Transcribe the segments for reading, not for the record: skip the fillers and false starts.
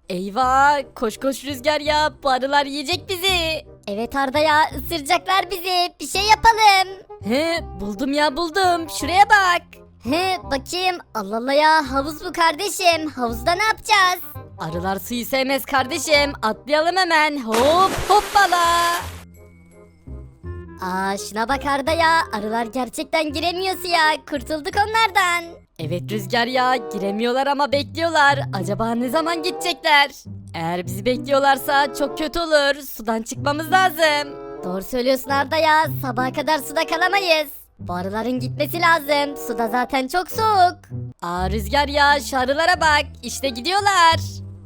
Eyvah koş koş Rüzgar ya bu arılar yiyecek bizi. Evet Arda ya, ısıracaklar bizi. Bir şey yapalım. He buldum ya buldum şuraya bak. He bakayım. Allah Allah ya, havuz bu kardeşim. Havuzda ne yapacağız? Arılar suyu sevmez kardeşim atlayalım hemen hop hoppala. Aa şuna bak Arda ya, arılar gerçekten giremiyor suya. Kurtulduk onlardan. Evet Rüzgar ya giremiyorlar ama bekliyorlar. Acaba ne zaman gidecekler? Eğer bizi bekliyorlarsa çok kötü olur. Sudan çıkmamız lazım. Doğru söylüyorsun Arda ya, sabaha kadar suda kalamayız. Bu arıların gitmesi lazım. Suda zaten çok soğuk. Aa Rüzgar ya şu arılara bak işte gidiyorlar.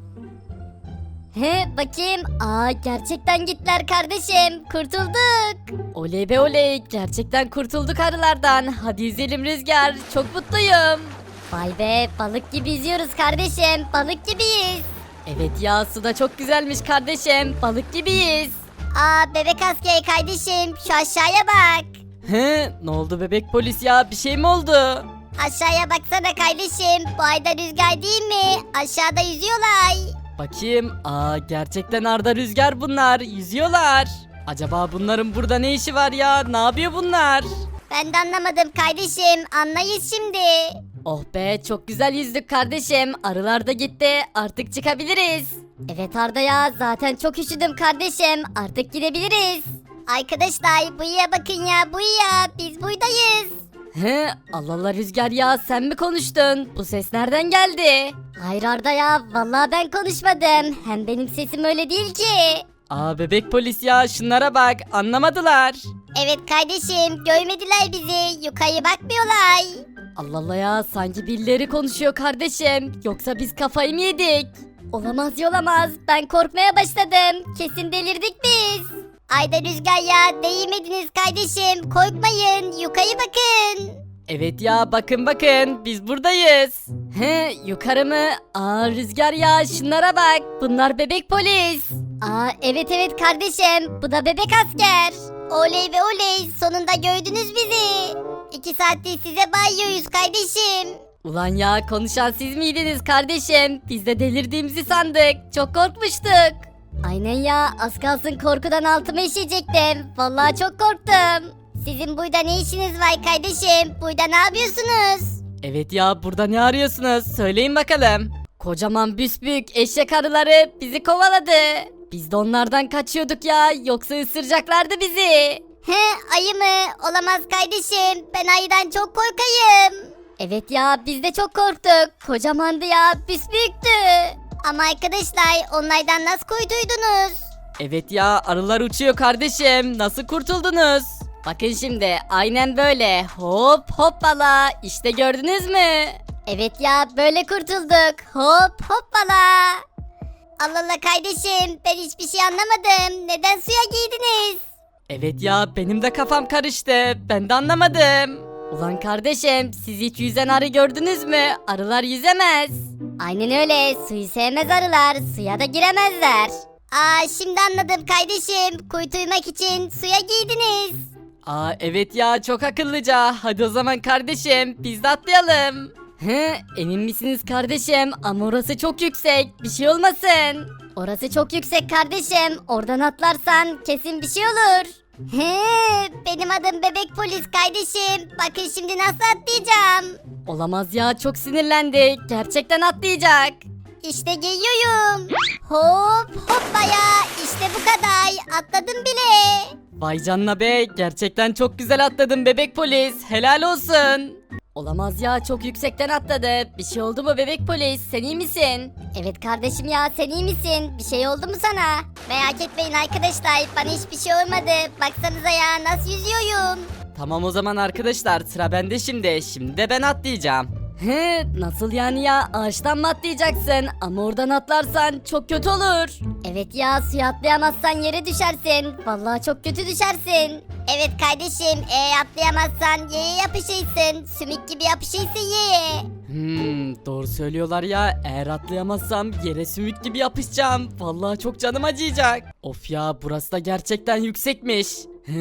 He bakayım. Aa gerçekten gittiler kardeşim. Kurtulduk. Oley be oley gerçekten kurtulduk arılardan. Hadi yüzelim Rüzgar çok mutluyum. Vay be, balık gibi yüzüyoruz kardeşim. Balık gibiyiz. Evet ya suda çok güzelmiş kardeşim balık gibiyiz. Aa bebek askeri kardeşim, şu aşağıya bak. He ne oldu bebek polis ya bir şey mi oldu? Aşağıya baksana kardeşim. Bu ayda rüzgar değil mi? Aşağıda yüzüyorlar. Bakayım. Aa gerçekten Arda Rüzgar bunlar. Yüzüyorlar. Acaba bunların burada ne işi var ya? Ne yapıyor bunlar? Ben de anlamadım kardeşim. Anlayız şimdi. Oh be çok güzel yüzdük kardeşim. Arılar da gitti. Artık çıkabiliriz. Evet Arda ya, zaten çok üşüdüm kardeşim. Artık gidebiliriz. Arkadaşlar buyuya bakın ya, buyuya. Biz buradayız. He Allah Allah Rüzgar ya sen mi konuştun? Bu ses nereden geldi? Hayır Arda ya, vallahi ben konuşmadım. Hem benim sesim öyle değil ki. Aa bebek polis ya şunlara bak anlamadılar. Evet kardeşim, görmediler bizi. Yukarı bakmıyorlar. Allah Allah ya sanki birileri konuşuyor kardeşim. Yoksa biz kafayı mı yedik? Olamaz olamaz. Ben korkmaya başladım. Kesin delirdik biz. Ayda Rüzgar ya, değmediniz kardeşim. Korkmayın. Yukarı bakın. Evet ya bakın bakın biz buradayız. He yukarı mı? Aa Rüzgar ya şunlara bak bunlar bebek polis. Aa evet evet kardeşim. Bu da bebek asker. Oley ve oley. Sonunda gördünüz bizi. 2 saattir size bağırıyoruz kardeşim. Ulan ya konuşan siz miydiniz kardeşim? Biz de delirdiğimizi sandık. Çok korkmuştuk. Aynen ya, az kalsın korkudan altıma işeyecektim. Vallahi çok korktum. Sizin burada ne işiniz var kardeşim? Burada ne yapıyorsunuz? Evet ya burada ne arıyorsunuz? Söyleyin bakalım. Kocaman büsbük eşek arıları bizi kovaladı. Biz de onlardan kaçıyorduk ya. Yoksa ısıracaklardı bizi. He, ayı mı? Olamaz kardeşim. Ben ayıdan çok korkayım. Evet ya, biz de çok korktuk. Kocamandı ya, büsbüyüktü. Ama arkadaşlar, onlardan nasıl kurtuldunuz? Evet ya arılar uçuyor kardeşim. Nasıl kurtuldunuz? Bakın şimdi aynen böyle hop hoppala işte gördünüz mü? Evet ya, böyle kurtulduk. Hop hoppala. Allah Allah kardeşim, ben hiçbir şey anlamadım. Neden suya giydiniz? Evet ya benim de kafam karıştı. Ben de anlamadım. Ulan kardeşim siz hiç yüzen arı gördünüz mü? Arılar yüzemez. Aynen öyle, suyu sevmez arılar. Suya da giremezler. Aa şimdi anladım kardeşim. Kurtulmak için suya giydiniz. Aa evet ya çok akıllıca. Hadi o zaman kardeşim biz de atlayalım. He emin misiniz kardeşim? Ama orası çok yüksek. Bir şey olmasın. Orası çok yüksek kardeşim. Oradan atlarsan kesin bir şey olur. He, benim adım bebek polis kardeşim. Bakın şimdi nasıl atlayacağım. Olamaz ya çok sinirlendi. Gerçekten atlayacak. İşte geliyorum. Hop hoppaya. İşte bu kadar. Atladım bile. Vay canına be gerçekten çok güzel atladın bebek polis. Helal olsun. Olamaz ya çok yüksekten atladı. Bir şey oldu mu bebek polis? Sen iyi misin? Evet kardeşim ya, sen iyi misin? Bir şey oldu mu sana? Merak etmeyin arkadaşlar, bana hiçbir şey olmadı. Baksanıza ya, nasıl yüzüyorum. Tamam o zaman arkadaşlar sıra bende şimdi. Şimdi de ben atlayacağım. He nasıl yani ya ağaçtan mı atlayacaksın? Ama oradan atlarsan çok kötü olur. Evet ya, suya atlayamazsan yere düşersin. Vallahi çok kötü düşersin. Evet kardeşim, eğer atlayamazsan yere yapışırsın. Sümük gibi yapışırsın yere. Doğru söylüyorlar ya. Eğer atlayamazsam yere sümük gibi yapışacağım. Vallahi çok canım acıyacak. Of ya burası da gerçekten yüksekmiş.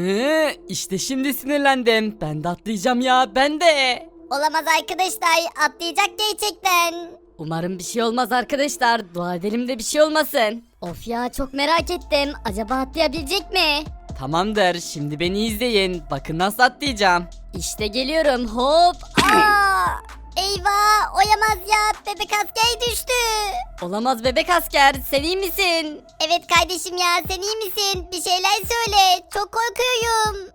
İşte şimdi sinirlendim. Ben de atlayacağım ya ben de. Olamaz arkadaşlar, atlayacak gerçekten. Umarım bir şey olmaz arkadaşlar. Dua edelim de bir şey olmasın. Of ya çok merak ettim. Acaba atlayabilecek mi? Tamamdır, şimdi beni izleyin. Bakın nasıl atlayacağım. İşte geliyorum. Hop. Aa! Eyvah oyamaz ya bebek asker düştü. Olamaz bebek asker. Sen iyi misin? Evet kardeşim ya sen iyi misin? Bir şeyler söyle çok korkuyorum.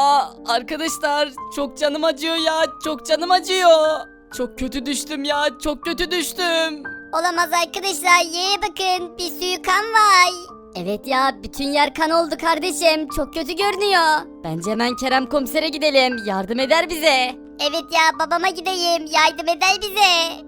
Arkadaşlar çok canım acıyor ya. Çok canım acıyor. Çok kötü düştüm ya. Çok kötü düştüm. Olamaz arkadaşlar yere bakın bir sürü kan var. Evet ya bütün yer kan oldu kardeşim. Çok kötü görünüyor. Bence hemen Kerem komisere gidelim. Yardım eder bize. Evet ya babama gideyim yardım eder bize.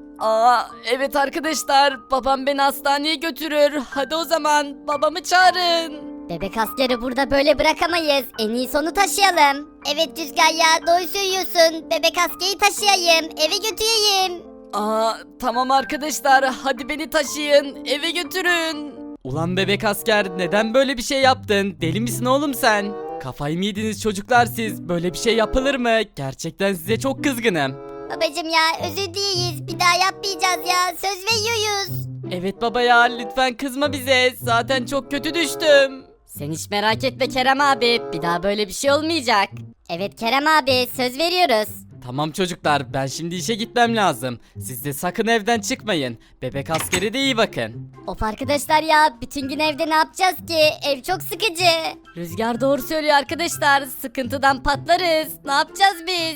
Evet arkadaşlar. Babam beni hastaneye götürür. Hadi o zaman babamı çağırın. Bebek askeri burada böyle bırakamayız. En iyisi onu taşıyalım. Evet Rüzgar ya doğru söylüyorsun. Bebek askeri taşıyayım eve götüreyim. Tamam arkadaşlar. Hadi beni taşıyın. Eve götürün. Ulan bebek asker neden böyle bir şey yaptın? Deli misin oğlum sen? Kafayı mı yediniz çocuklar siz? Böyle bir şey yapılır mı? Gerçekten size çok kızgınım. Babacım ya özür dileyiz. Bir daha yapmayacağız ya. Söz veriyoruz. Evet baba ya lütfen kızma bize. Zaten çok kötü düştüm. Sen hiç merak etme Kerem abi. Bir daha böyle bir şey olmayacak. Evet Kerem abi söz veriyoruz. Tamam çocuklar ben şimdi işe gitmem lazım. Siz de sakın evden çıkmayın. Bebek askeri de iyi bakın. Of arkadaşlar ya bütün gün evde ne yapacağız ki? Ev çok sıkıcı. Rüzgar doğru söylüyor arkadaşlar. Sıkıntıdan patlarız. Ne yapacağız biz?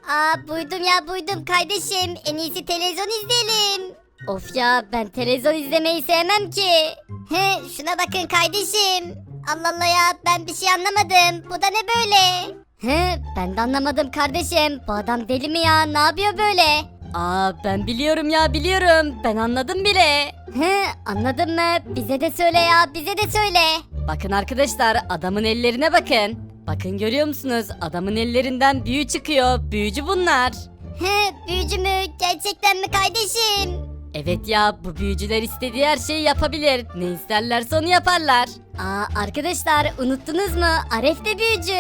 Buydum ya buydum kardeşim. En iyisi televizyon izleyelim. Of ya ben televizyon izlemeyi sevmem ki. Şuna bakın kardeşim. Allah Allah ya ben bir şey anlamadım. Bu da ne böyle? Ben de anlamadım kardeşim. Bu adam deli mi ya? Ne yapıyor böyle? Ben biliyorum ya biliyorum. Ben anladım bile. Anladın mı? Bize de söyle ya bize de söyle. Bakın arkadaşlar adamın ellerine bakın. Bakın görüyor musunuz? Adamın ellerinden büyü çıkıyor. Büyücü bunlar. Büyücü mü? Gerçekten mi kardeşim? Evet ya bu büyücüler istediği her şeyi yapabilir. Ne isterlerse onu yaparlar. Arkadaşlar unuttunuz mu? Aref de büyücü.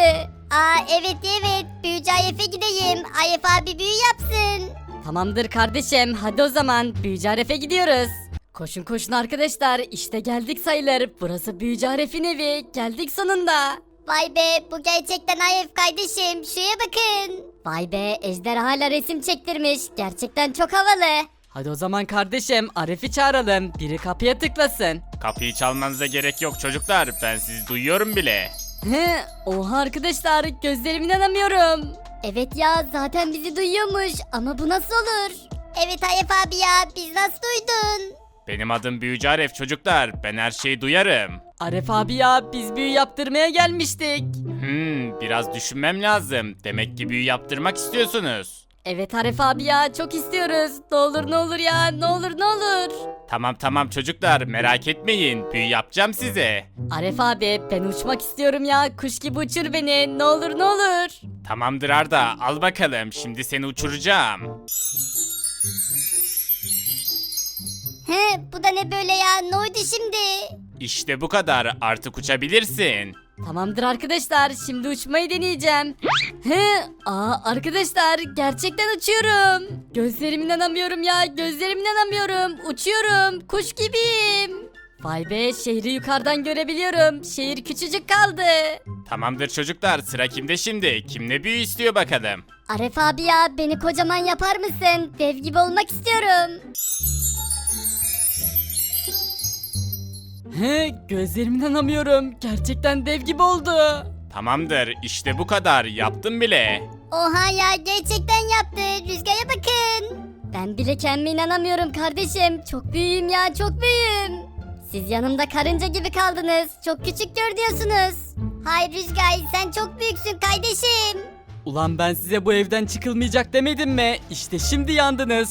Evet büyücü Aref'e gideyim. Aref abi büyü yapsın. Tamamdır kardeşim. Hadi o zaman büyücü Aref'e gidiyoruz. Koşun koşun arkadaşlar. İşte geldik sayılır. Burası büyücü Aref'in evi. Geldik sonunda. Vay be bu gerçekten Aref kardeşim. Şuraya bakın. Vay be ejderhayla resim çektirmiş. Gerçekten çok havalı. Hadi o zaman kardeşim Arif'i çağıralım. Biri kapıya tıklasın. Kapıyı çalmanıza gerek yok çocuklar. Ben sizi duyuyorum bile. Oha arkadaşlar gözlerime inanamıyorum. Evet ya zaten bizi duyuyormuş ama bu nasıl olur? Evet Aref abi ya biz nasıl duydun? Benim adım Büyücü Aref çocuklar. Ben her şeyi duyarım. Arif abi ya biz büyü yaptırmaya gelmiştik. Biraz düşünmem lazım. Demek ki büyü yaptırmak istiyorsunuz. Evet Aref abi ya çok istiyoruz. Ne olur ne olur ya ne olur ne olur. Tamam çocuklar merak etmeyin. Büyü yapacağım size. Aref abi ben uçmak istiyorum ya. Kuş gibi uçur beni. Ne olur ne olur. Tamamdır Arda al bakalım. Şimdi seni uçuracağım. Bu da ne böyle ya ne oldu şimdi? İşte bu kadar. Artık uçabilirsin. Tamamdır arkadaşlar şimdi uçmayı deneyeceğim. Arkadaşlar gerçekten uçuyorum. Gözlerime inanamıyorum ya gözlerime inanamıyorum. Uçuyorum kuş gibiyim. Vay be şehri yukarıdan görebiliyorum. Şehir küçücük kaldı. Tamamdır çocuklar sıra kimde şimdi? Kim ne büyü istiyor bakalım. Aref abi ya beni kocaman yapar mısın? Dev gibi olmak istiyorum. Gözlerime inanamıyorum. Gerçekten dev gibi oldu. Tamamdır işte bu kadar. Yaptım bile. Oha ya gerçekten yaptı. Rüzgara bakın. Ben bile kendime inanamıyorum kardeşim. Çok büyüğüm ya çok büyüğüm. Siz yanımda karınca gibi kaldınız. Çok küçük görünüyorsunuz. Hayır Rüzgar sen çok büyüksün kardeşim. Ulan ben size bu evden çıkılmayacak demedim mi? İşte şimdi yandınız.